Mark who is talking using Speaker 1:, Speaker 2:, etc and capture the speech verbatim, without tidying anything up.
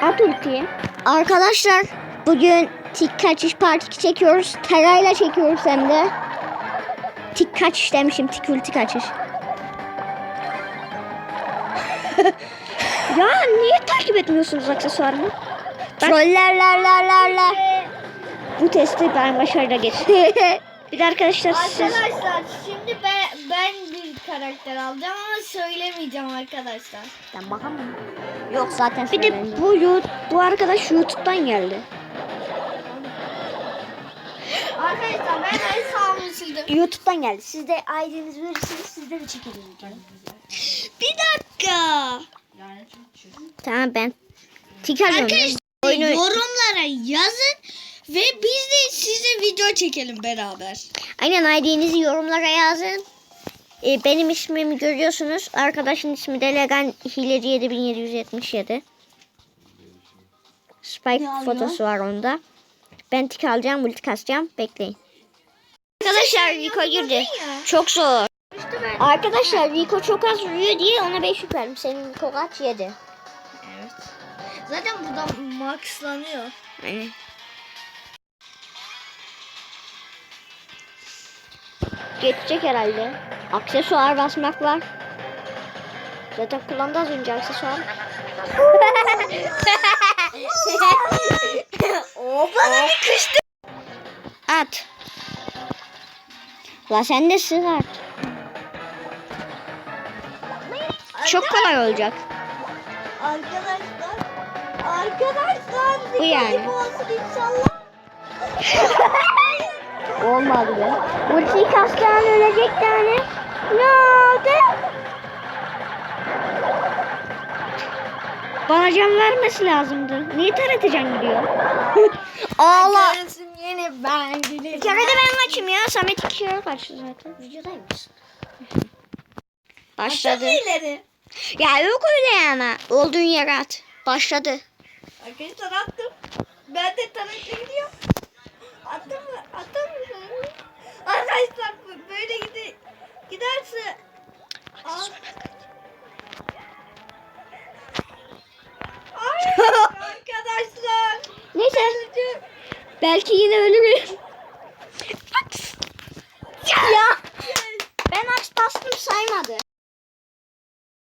Speaker 1: At ultiyi. Arkadaşlar bugün tik kaçış part iki çekiyoruz. Terayla çekiyoruz hem de. Tik kaçış demişim. Tik ulti kaçış. Ya niye takip etmiyorsunuz aksesuarımı? Trollerlerlerlerler. Bu testi ben başarıyla geçtim. Bir de arkadaşlar siz...
Speaker 2: Arkadaşlar şimdi ben, ben bir karakter alacağım ama söylemeyeceğim arkadaşlar.
Speaker 1: Ben bakamam. Yok zaten bir de bu, YouTube, bu arkadaş YouTube'dan geldi.
Speaker 2: Arkadaşlar ben hesabımı sildim.
Speaker 1: YouTube'dan geldi. Siz de I D'nizi verirsiniz, sizde de çekelim.
Speaker 2: Bir dakika.
Speaker 1: Tamam ben tik alıyorum.
Speaker 2: Arkadaşlar
Speaker 1: Oyunu...
Speaker 2: yorumlara yazın ve biz de size video çekelim beraber.
Speaker 1: Aynen I D'nizi yorumlara yazın. Ee, benim ismimi görüyorsunuz. Arkadaşın ismi de Legan Hileci yedi bin yedi yüz yetmiş yedi. Spike
Speaker 2: Ya
Speaker 1: fotosu var onda. Ben tik alacağım, ulti kasacağım. Bekleyin. Arkadaşlar Rico girdi. Çok zor. Arkadaşlar Rico çok az vuruyor diye ona beş yük verdim. Senin Rico kaç? yedi.
Speaker 2: Evet. Zaten burada maxlanıyor.
Speaker 1: Aynen. Geçecek herhalde. Aksesuar basmak var. Zaten kullandı az önce aksesuar.
Speaker 2: Bana bir kıştı.
Speaker 1: At. La sen de sığ at. Çok kolay olacak.
Speaker 2: Arkadaşlar. Arkadaşlar.
Speaker 1: Bu yani.
Speaker 2: dikkatli olsun inşallah.
Speaker 1: Olmadı be. Ultiyi kastan ölecek tane. Ne oldu? Bana can vermesi lazımdı. Niye T R T can gidiyor? Allah.
Speaker 2: Görürsün yine ben giderim.
Speaker 1: Bir kere de ben kaçayım ya. Samet iki kere kaçtı zaten. Videodaymış. Başladı.
Speaker 2: ileri.
Speaker 1: Ya yok öyle yani. Olduğun yere at. Başladı.
Speaker 2: Arkadaşlar attım. Ben de tarafa gidiyorum. Attım mı? Attım mı? Arkadaşlar böyle gide giderse. Al. Ay arkadaşlar.
Speaker 1: Neyse. Belki yine ölürüm. Ya. Ben aç bastım saymadı.